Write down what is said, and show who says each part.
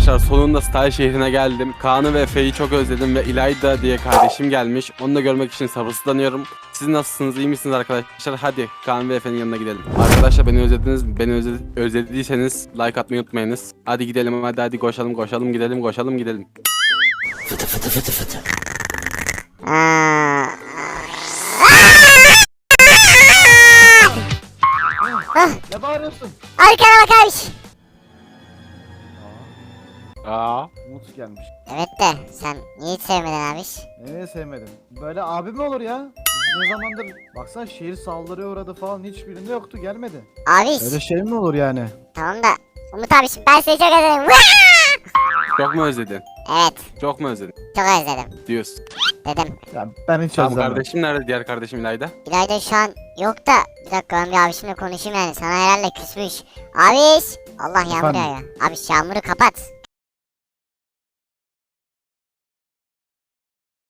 Speaker 1: Arkadaşlar sonunda Style şehrine geldim. Kaan'ı ve Efe'yi çok özledim ve İlayda diye kardeşim gelmiş. Onu da görmek için sabırsızlanıyorum. Siz nasılsınız, iyi misiniz arkadaşlar? Hadi Kaan ve Efe'nin yanına gidelim. Arkadaşlar beni özlediniz, özlediyseniz like atmayı unutmayınız. Hadi gidelim, hadi koşalım gidelim.
Speaker 2: Ne bağırıyorsun?
Speaker 3: Arkana bak abi.
Speaker 1: Aa.
Speaker 2: Umut gelmiş.
Speaker 3: Evet de sen niye hiç sevmedin abi?
Speaker 2: Nereye sevmedim? Böyle abi mi olur ya? Biz ne zamandır baksana şehir saldırıya uğradı falan hiçbirinde yoktu gelmedi.
Speaker 3: Abi
Speaker 2: Öyle şey mi olur yani?
Speaker 3: tamam da Umut abi ben seni çok özledim.
Speaker 1: Çok mu özledin?
Speaker 3: Evet
Speaker 1: Çok mu özledin?
Speaker 3: çok özledim
Speaker 1: Diyorsun.
Speaker 3: dedim.
Speaker 2: Ya ben hiç
Speaker 1: Tamam,
Speaker 2: özlemem.
Speaker 1: kardeşim nerede, diğer kardeşim İlayda?
Speaker 3: İlayda şu an yok da bir dakika ben bir abişimle konuşayım yani sana herhalde küsmüş. Abiş Allah yağmur
Speaker 2: Efendim?
Speaker 3: yağıyor. Abiş yağmuru kapat.